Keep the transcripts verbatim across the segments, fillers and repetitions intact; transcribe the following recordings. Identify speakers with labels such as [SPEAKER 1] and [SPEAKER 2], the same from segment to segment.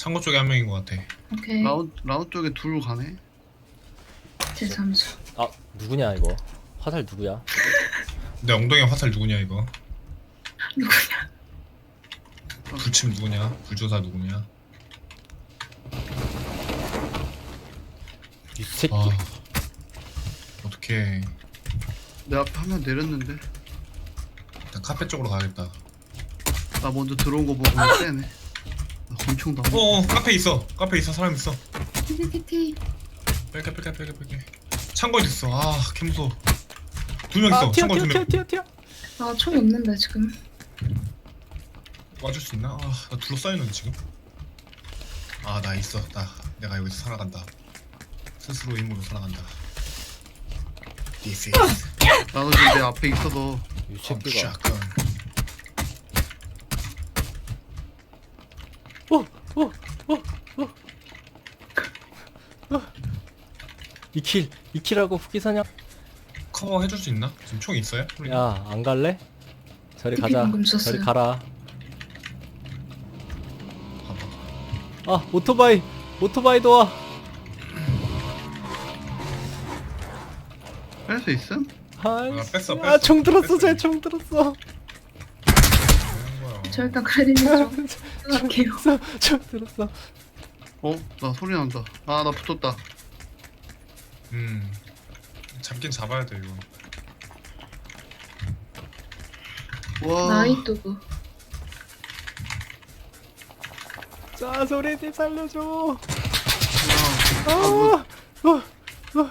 [SPEAKER 1] 창고 쪽에 한 명인 것 같아.
[SPEAKER 2] 오케이.
[SPEAKER 3] 라운 라운 쪽에 둘 가네.
[SPEAKER 2] 제 잠수.
[SPEAKER 4] 아 누구냐 이거. 화살 누구야?
[SPEAKER 1] 내 엉덩이 화살 누구냐 이거?
[SPEAKER 2] 누구냐?
[SPEAKER 1] 불침 누구냐? 불조사 누구냐?
[SPEAKER 4] 이 새끼.
[SPEAKER 1] 아 어떡해.
[SPEAKER 3] 내 앞에 한 명 내렸는데.
[SPEAKER 1] 일단 카페 쪽으로 가야겠다.
[SPEAKER 3] 나 먼저 들어온 거 보고 빼네. 나 권총도 안.
[SPEAKER 1] 어어 카페 있어. 카페 있어. 사람 있어.
[SPEAKER 2] 티티티티.
[SPEAKER 1] 뺄게 뺄게 뺄게 뺄게. 창고에 있어. 아 개무서워. 두 명 있어.
[SPEAKER 4] 아 튀어
[SPEAKER 1] 창고에
[SPEAKER 4] 튀어
[SPEAKER 1] 두
[SPEAKER 4] 튀어
[SPEAKER 1] 명.
[SPEAKER 4] 튀어 튀어.
[SPEAKER 2] 아, 총이 없는데 지금.
[SPEAKER 1] 와줄 수 있나? 아나 둘러싸이는 지금. 아 나 있어. 나 내가 여기서 살아간다. 스스로 힘으로 살아간다. This is
[SPEAKER 3] 나도 지금 내 앞에 있어서.
[SPEAKER 4] 이
[SPEAKER 1] 컴
[SPEAKER 4] 새끼가.
[SPEAKER 1] 샷건.
[SPEAKER 4] 이킬 이킬하고 후기사냥.
[SPEAKER 1] 커버 해줄 수 있나? 지금 총 있어요?
[SPEAKER 4] 야 안 갈래? 저리
[SPEAKER 2] 티피
[SPEAKER 4] 가자.
[SPEAKER 2] 방금 썼어요.
[SPEAKER 4] 저리 가라.
[SPEAKER 1] 봐봐.
[SPEAKER 4] 아 오토바이 오토바이 도와.
[SPEAKER 3] 뺄 수 있음?
[SPEAKER 1] 아, 뺐어, 뺐어.
[SPEAKER 4] 아총 들었어.
[SPEAKER 1] 뺐어.
[SPEAKER 4] 쟤 총 들었어.
[SPEAKER 1] 되는 거야.
[SPEAKER 2] 저 일단 크레딧 좀 생각할게요.
[SPEAKER 4] 총 들었어.
[SPEAKER 3] 어? 나 소리 난다. 아 나 붙었다.
[SPEAKER 1] 음 잡긴 잡아야 돼 이거.
[SPEAKER 3] 와.
[SPEAKER 2] 나이뚜브.
[SPEAKER 4] 자 소리님 살려줘.
[SPEAKER 3] 와.
[SPEAKER 4] 아, 어, 어,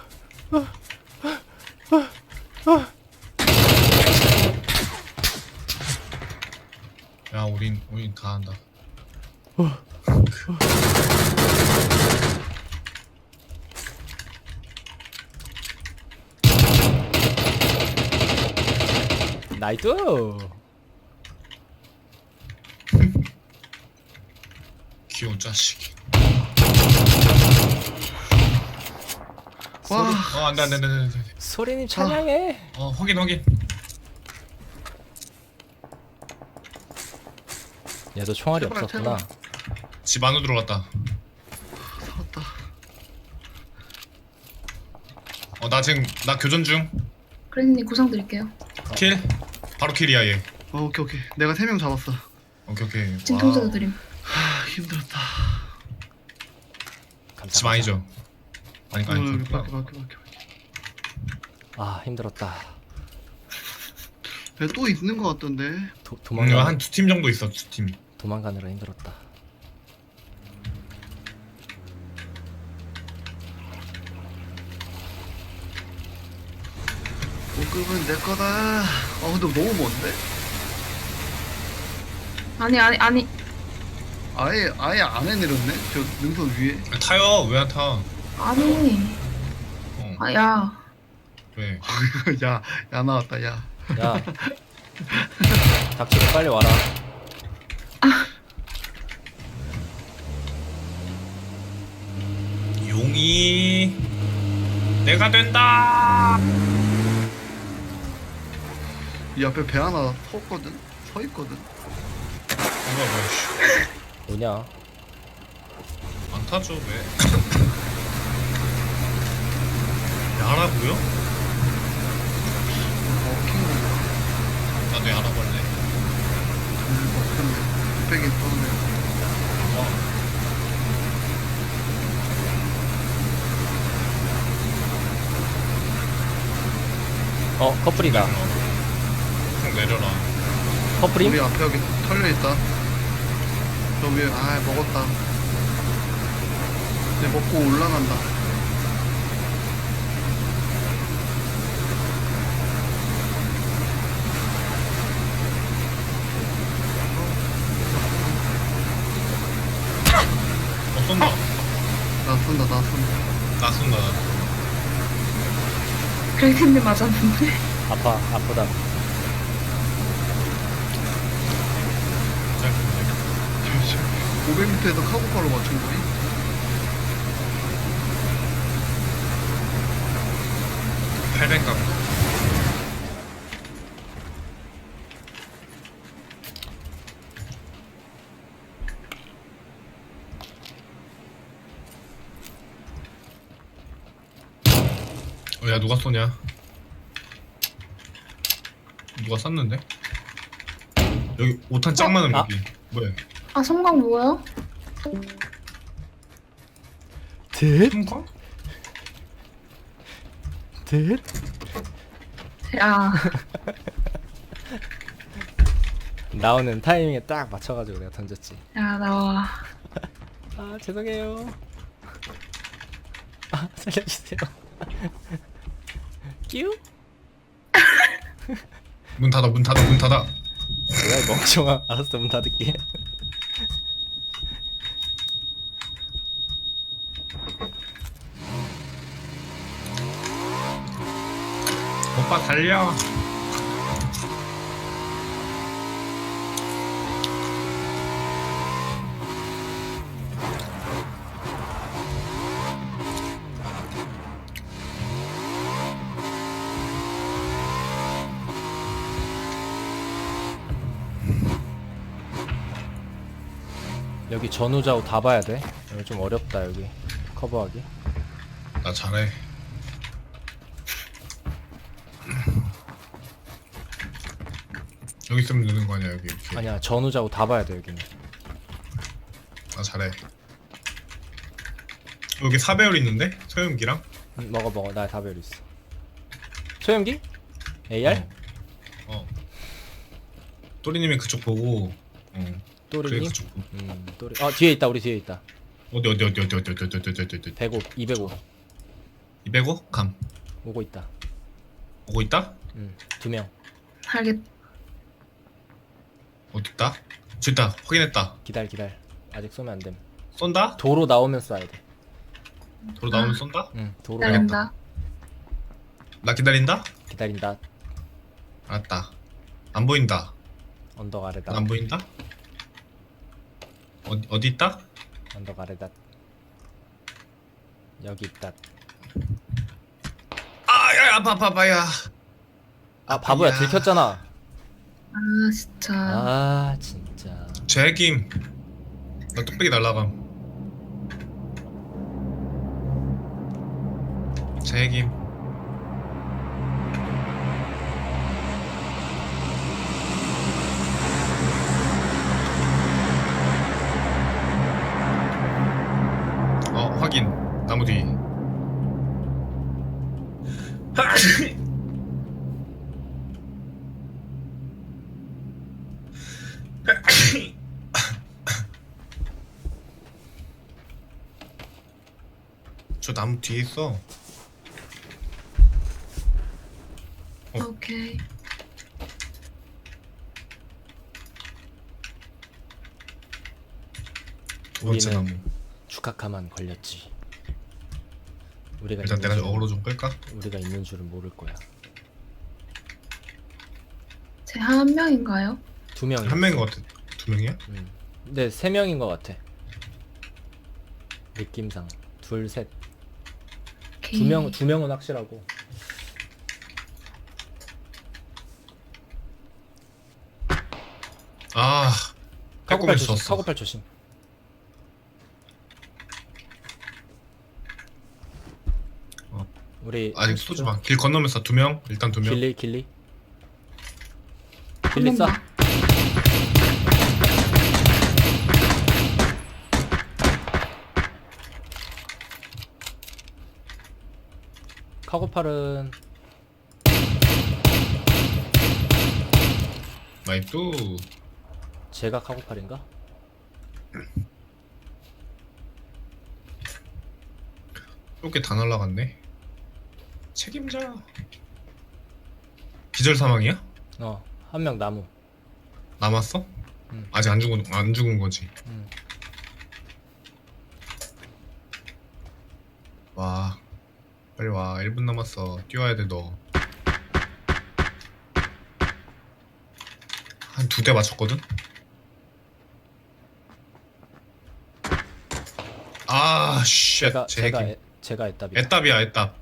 [SPEAKER 1] 야 우린 우린 다 한다.
[SPEAKER 4] 나이트.
[SPEAKER 1] 귀여운 자식.
[SPEAKER 3] 와.
[SPEAKER 1] 어 안돼 안돼 안돼 안돼.
[SPEAKER 4] 소리님 찬양해.
[SPEAKER 1] 어 확인 확인.
[SPEAKER 4] 얘도 총알이
[SPEAKER 3] 제발,
[SPEAKER 4] 없었구나.
[SPEAKER 3] 제발.
[SPEAKER 1] 집 안으로 들어갔다.
[SPEAKER 3] 살았다.
[SPEAKER 1] 어 나 지금 나 교전 중.
[SPEAKER 2] 크레딧님 구상 드릴게요.
[SPEAKER 1] 킬. 바로 킬이야 얘.
[SPEAKER 3] 어, 오케이 오케이. 내가 세 명 잡았어.
[SPEAKER 1] 오케이 오케이.
[SPEAKER 2] 진통제도
[SPEAKER 1] 와우.
[SPEAKER 2] 드림.
[SPEAKER 3] 하 힘들었다.
[SPEAKER 4] 감사,
[SPEAKER 1] 집 아니죠? 아니 아니
[SPEAKER 3] 오늘
[SPEAKER 1] 그렇구나.
[SPEAKER 3] 밖에 밖에 밖에.
[SPEAKER 4] 아 힘들었다.
[SPEAKER 3] 밖에. 또 있는 거 같던데.
[SPEAKER 4] 도,
[SPEAKER 1] 음,
[SPEAKER 4] 도망가
[SPEAKER 1] 한두 팀 정도 있어 두 팀.
[SPEAKER 4] 도망가느라 힘들었다.
[SPEAKER 3] 목급은 내 거다. 아 근데 너무 먼데?
[SPEAKER 2] 아니 아니 아니.
[SPEAKER 3] 아예 아예 안에 내렸네. 저 능선 위에.
[SPEAKER 1] 타요 왜 안 타?
[SPEAKER 2] 아니.
[SPEAKER 1] 어
[SPEAKER 2] 아 야.
[SPEAKER 1] 왜?
[SPEAKER 3] 야, 야 나왔다. 야.
[SPEAKER 4] 야 닥치고 빨리 와라.
[SPEAKER 1] 용이 내가 된다.
[SPEAKER 3] 이 앞에 배 하나 섰거든. 서 있거든.
[SPEAKER 1] 뭐야 뭐야 씨.
[SPEAKER 4] 뭐냐?
[SPEAKER 1] 안 타죠 왜? 야라고요?
[SPEAKER 3] 어, 킹
[SPEAKER 1] 나도 야라고 할래.
[SPEAKER 3] 뚝배기 떠네.
[SPEAKER 1] 어.
[SPEAKER 4] 어 커플이다.
[SPEAKER 1] 쭉 내려라.
[SPEAKER 4] 커플임?
[SPEAKER 3] 우리 앞에 여기 털려 있다. 저 위에 아 먹었다. 이제 먹고 올라간다.
[SPEAKER 1] 어 쏜다.
[SPEAKER 3] 나 쏜다, 나 쏜다.
[SPEAKER 1] 나 쏜다.
[SPEAKER 2] 크레딧님 맞았는데.
[SPEAKER 4] 아파 아프다.
[SPEAKER 3] 오백 미터에서 카고파로 맞춘 거니?
[SPEAKER 1] 팔백 각. 누가 쏘냐? 누가 쐈는데? 여기 오탄 짱 많은
[SPEAKER 4] 아.
[SPEAKER 1] 여기. 뭐야?
[SPEAKER 2] 아 성광 뭐야?
[SPEAKER 4] 듯?
[SPEAKER 1] 숨광?
[SPEAKER 4] 듯?
[SPEAKER 2] 야
[SPEAKER 4] 나오는 타이밍에 딱 맞춰가지고 내가 던졌지.
[SPEAKER 2] 야 나와.
[SPEAKER 4] 아 죄송해요. 아 살려주세요. 끼우?
[SPEAKER 1] 문 닫아 문 닫아 문 닫아.
[SPEAKER 4] 뭐야 이 멍청아. 알았어 문 닫을게.
[SPEAKER 1] 오빠 달려.
[SPEAKER 4] 여기 전후좌우 다 봐야 돼. 여기 좀 어렵다 여기 커버하기.
[SPEAKER 1] 나 잘해. 여기 있으면 되는 거 아니야 여기 이렇게.
[SPEAKER 4] 아니야 전후좌우 다 봐야 돼 여기는.
[SPEAKER 1] 나 잘해. 여기 사 배율 있는데? 소염기랑?
[SPEAKER 4] 응, 먹어 먹어 나 다 배울 있어. 소염기? 에이알?
[SPEAKER 1] 어. 어. 또리님이 그쪽 보고. 어. 그래
[SPEAKER 4] 또리님?
[SPEAKER 1] 그쪽 보고.
[SPEAKER 4] 음 또리. 어 뒤에 있다 우리 뒤에 있다.
[SPEAKER 1] 어디 어디 어디 어디 어디 어디 어디 어디 어디 어디.
[SPEAKER 4] 백오 이백오
[SPEAKER 1] 이백오? 감.
[SPEAKER 4] 오고 있다.
[SPEAKER 1] 오고 있다?
[SPEAKER 4] 음두 명.
[SPEAKER 2] 알겠.
[SPEAKER 1] 어디 있다? 저 있다. 확인했다.
[SPEAKER 4] 기다려 기다려. 아직 쏘면 안 됨.
[SPEAKER 1] 쏜다?
[SPEAKER 4] 도로 나오면 쏴야 돼.
[SPEAKER 1] 도로 나오면 쏜다?
[SPEAKER 4] 응 도로
[SPEAKER 1] 네.
[SPEAKER 4] 나오면
[SPEAKER 2] 기다린다.
[SPEAKER 1] 나 기다린다?
[SPEAKER 4] 기다린다.
[SPEAKER 1] 알았다. 안 보인다.
[SPEAKER 4] 언덕 아래다.
[SPEAKER 1] 나 안 보인다? 어디 어디 있다?
[SPEAKER 4] 언덕 아래다. 여기 있다.
[SPEAKER 1] 아야 아파 아파 아파야.
[SPEAKER 4] 아 바보야
[SPEAKER 1] 야.
[SPEAKER 4] 들켰잖아.
[SPEAKER 2] 아 진짜.
[SPEAKER 4] 아 진짜.
[SPEAKER 1] 제김. 나 뚝배기 날라감. 제김. 어 확인. 나무 뒤. 저 나무 뒤에 있어. 어.
[SPEAKER 2] 오케이.
[SPEAKER 1] 두 번째 나무.
[SPEAKER 4] 우리는 주카카만 걸렸지. 우리가
[SPEAKER 1] 일단
[SPEAKER 4] 있는
[SPEAKER 1] 내가
[SPEAKER 4] 줄은-
[SPEAKER 1] 어그로 좀 끌까?
[SPEAKER 4] 우리가 있는 줄은 모를 거야.
[SPEAKER 2] 제 한 명인가요?
[SPEAKER 4] 두 명이.
[SPEAKER 1] 한 명인 것 같아. 두 명이야?
[SPEAKER 4] 음. 근데 세 명인 것 같아. 느낌상 둘, 셋,
[SPEAKER 2] 오케이.
[SPEAKER 4] 두 명, 두 명은 확실하고.
[SPEAKER 1] 아,
[SPEAKER 4] 카고팔
[SPEAKER 1] 빼꼼히
[SPEAKER 4] 조심.
[SPEAKER 1] 줬어.
[SPEAKER 4] 카고팔 조심.
[SPEAKER 1] 어.
[SPEAKER 4] 우리
[SPEAKER 1] 아직 쏘지 마. 길 건너면서 두 명. 일단 두 명.
[SPEAKER 4] 길리, 길리.
[SPEAKER 2] 한
[SPEAKER 4] 길리 쏴.
[SPEAKER 2] 번만.
[SPEAKER 4] 카고팔은
[SPEAKER 1] 나이뚜.
[SPEAKER 4] 제가 카고팔인가?
[SPEAKER 1] 이렇게 다 날라갔네. 책임져. 기절 사망이야?
[SPEAKER 4] 어, 한 명 나무.
[SPEAKER 1] 남았어?
[SPEAKER 4] 응.
[SPEAKER 1] 아직 안 죽은 안 죽은 거지.
[SPEAKER 4] 음.
[SPEAKER 1] 와, 빨리 와. 일 분 남았어. 뛰어야 돼 너. 한 두 대 맞췄거든. 아, 쉣.
[SPEAKER 4] 제가
[SPEAKER 1] 제
[SPEAKER 4] 제가
[SPEAKER 1] 핵임.
[SPEAKER 4] 애, 제가 애답이다.
[SPEAKER 1] 애답이야, 애답.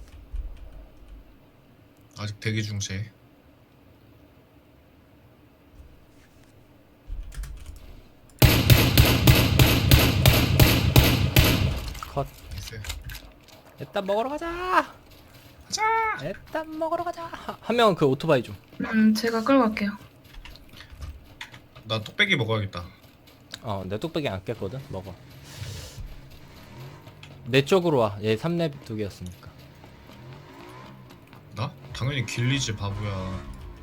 [SPEAKER 1] 아직 대기 중세. 나이스.
[SPEAKER 4] 일단 먹으러 가자.
[SPEAKER 1] 가자.
[SPEAKER 4] 일단 먹으러 가자. 한 명은 그 오토바이 좀.
[SPEAKER 2] 음, 제가 끌고 갈게요.
[SPEAKER 1] 나 뚝배기 먹어야겠다.
[SPEAKER 4] 어, 내 뚝배기 안 깼거든. 먹어. 내 쪽으로 와. 얘 삼 렙 두 개였으니까.
[SPEAKER 1] 나? 당연히 길리지 바보야.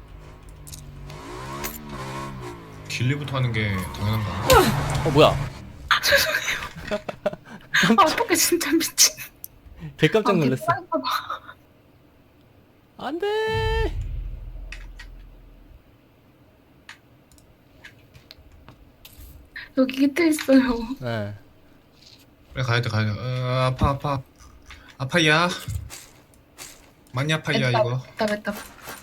[SPEAKER 1] 길리부터 하는 게 당연한가?
[SPEAKER 4] 어, 뭐야?
[SPEAKER 2] 아, 어떡해, 진짜 미친.
[SPEAKER 4] 개 깜짝
[SPEAKER 2] 아,
[SPEAKER 4] 놀랐어.
[SPEAKER 2] 개빡이다.
[SPEAKER 4] 안 돼.
[SPEAKER 2] 여기 깃털 있어요.
[SPEAKER 4] 네.
[SPEAKER 1] 그래 가야 돼 가야 돼. 어, 아파 아파 아파야. 많이 아파야 이거.
[SPEAKER 2] 맵다, 맵다.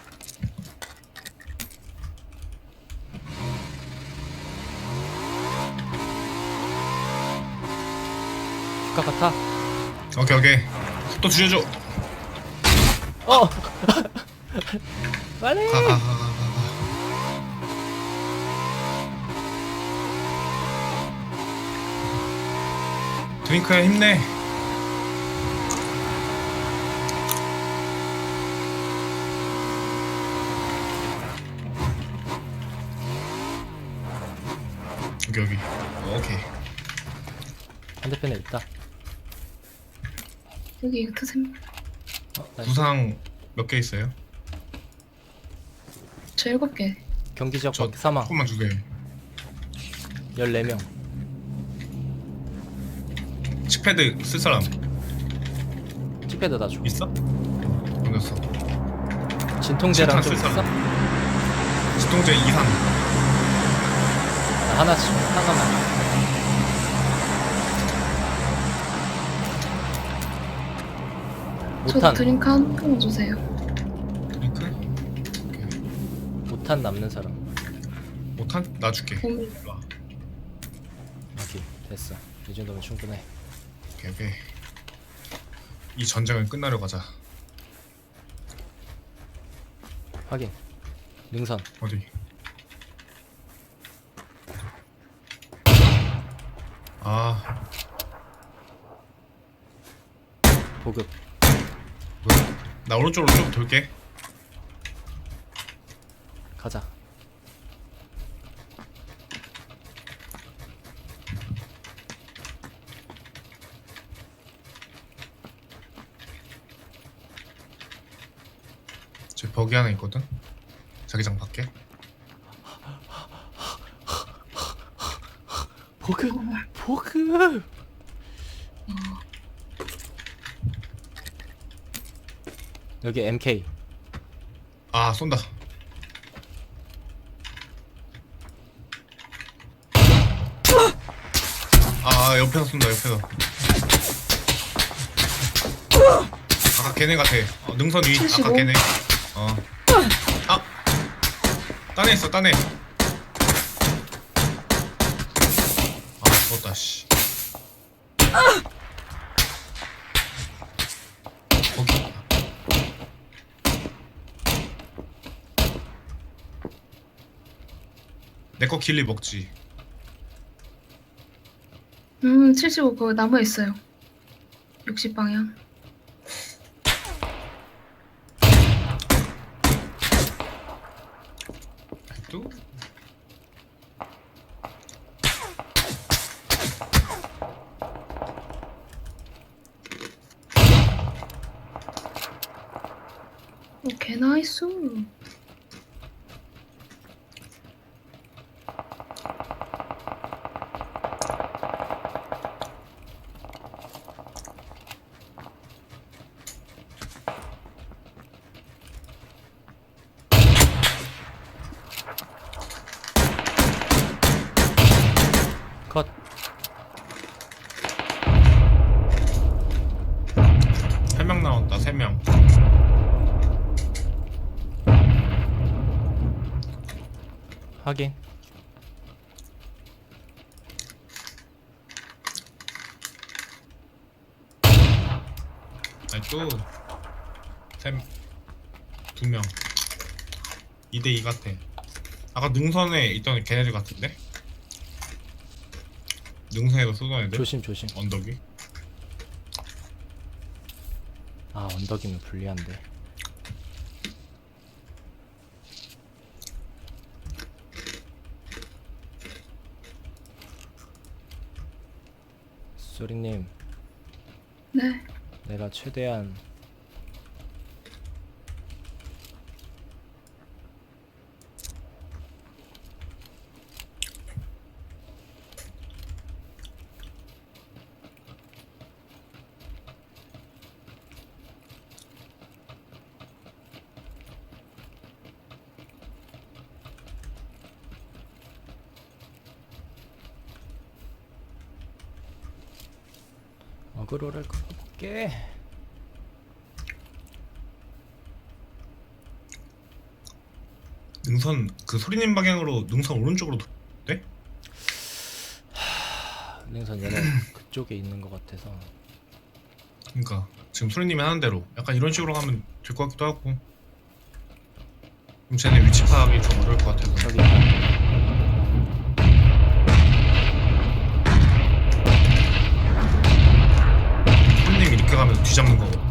[SPEAKER 4] 축하 같아.
[SPEAKER 1] 오케이 오케이. 속도 줄여줘.
[SPEAKER 4] 어. 빨리.
[SPEAKER 1] 가 가 가 가 가. 드링크야 힘내. 여기 여기. 어, 오케이.
[SPEAKER 4] 반대편에 있다.
[SPEAKER 2] 여기 이거 트셈.
[SPEAKER 4] 어, 나이스.
[SPEAKER 1] 부상 몇 개 있어요?
[SPEAKER 2] 저 일곱 개.
[SPEAKER 4] 경기 지역
[SPEAKER 1] 저
[SPEAKER 4] 밖 사망.
[SPEAKER 1] 조금만 주세요.
[SPEAKER 4] 열네 명.
[SPEAKER 1] 칙패드 쓸 사람
[SPEAKER 4] 칩패드 다 줘.
[SPEAKER 1] 있어? 넘겼어.
[SPEAKER 4] 진통제랑 좀
[SPEAKER 1] 실탄
[SPEAKER 4] 있어?
[SPEAKER 1] 쓸 지통제 이상.
[SPEAKER 4] 나 하나씩 하나만.
[SPEAKER 2] 저도
[SPEAKER 4] 오탄
[SPEAKER 2] 드링크 한 통만 주세요.
[SPEAKER 1] 드링크?
[SPEAKER 4] 오탄 남는 사람.
[SPEAKER 1] 오탄? 나 줄게.
[SPEAKER 2] 봄.
[SPEAKER 1] 일로 와.
[SPEAKER 4] 오케이 됐어. 이 정도면 충분해.
[SPEAKER 1] 오케이 오케이. 이 전쟁을 끝나려고 하자.
[SPEAKER 4] 확인. 능선.
[SPEAKER 1] 어디? 아
[SPEAKER 4] 보급.
[SPEAKER 1] 뭐야? 나 오른쪽으로 좀 돌게.
[SPEAKER 4] 가자.
[SPEAKER 1] 저 버기 하나 있거든? 자기장 밖에.
[SPEAKER 4] 보급. 보급. 여기 엠케이.
[SPEAKER 1] 아 쏜다. 아 옆에서 쏜다 옆에서. 아까 걔네 같아. 어, 능선 위. 아까
[SPEAKER 2] 칠십오.
[SPEAKER 1] 걔네. 어. 아. 딴에 있어 딴에. 아 죽었다 씨. 거기. 내거 길리 먹지.
[SPEAKER 2] 음, 칠십오 그 나무에 있어요. 육십 방향.
[SPEAKER 1] 또?
[SPEAKER 2] 오케이, 나이스.
[SPEAKER 4] 컷.
[SPEAKER 1] 세 명 나왔다 세 명.
[SPEAKER 4] 확인.
[SPEAKER 1] 아니 또 샘 두 명. 이 대 이 같아. 아까 능선에 있던 걔네들 같은데? 능선에서 쏘던 애들?
[SPEAKER 4] 조심 조심.
[SPEAKER 1] 언덕이?
[SPEAKER 4] 아 언덕이면 불리한데. 소리님,
[SPEAKER 2] 네.
[SPEAKER 4] 내가 최대한 어그로를 끌어볼게.
[SPEAKER 1] 능선 그 소리님 방향으로 능선 오른쪽으로 도... 돼?
[SPEAKER 4] 능선 얘네 그쪽에 있는 것 같아서.
[SPEAKER 1] 그러니까 지금 소리님이 하는 대로 약간 이런 식으로 가면 될 것 같기도 하고. 그럼 쟤네 위치 파악이 좀 어려울 것 같아서.
[SPEAKER 4] 저기 있다.
[SPEAKER 1] 소리님 이렇게 가면 뒤잡는 거고.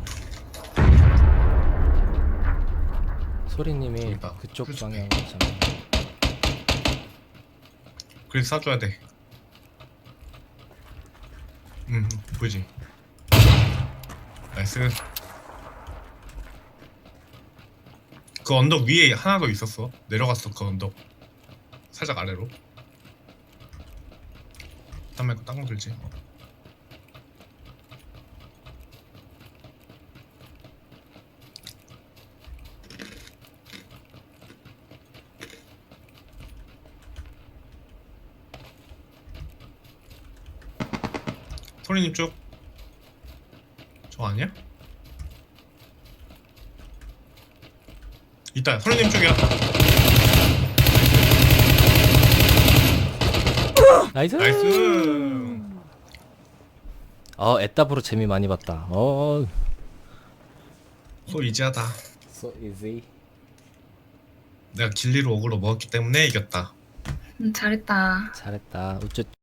[SPEAKER 4] 소리님이
[SPEAKER 1] 저기다.
[SPEAKER 4] 그쪽
[SPEAKER 1] 그렇지.
[SPEAKER 4] 방향으로 가잖아.
[SPEAKER 1] 그래서 쏴줘야 돼. 음, 보이지? 나이스. 그 언덕 위에 하나 더 있었어. 내려갔어 그 언덕. 살짝 아래로. 딴 말고 딴거 들지. 어. 소리님 쪽. 저 아니야? 있다. 소리님 쪽이야.
[SPEAKER 4] 나이스.
[SPEAKER 1] 나이스.
[SPEAKER 4] 어 에따브로 재미 많이 봤다. 어.
[SPEAKER 1] 소 이지하다.
[SPEAKER 4] So easy.
[SPEAKER 1] 내가 길리로 어그로 먹었기 때문에 이겼다.
[SPEAKER 2] 음, 잘했다.
[SPEAKER 4] 잘했다. 우쭈.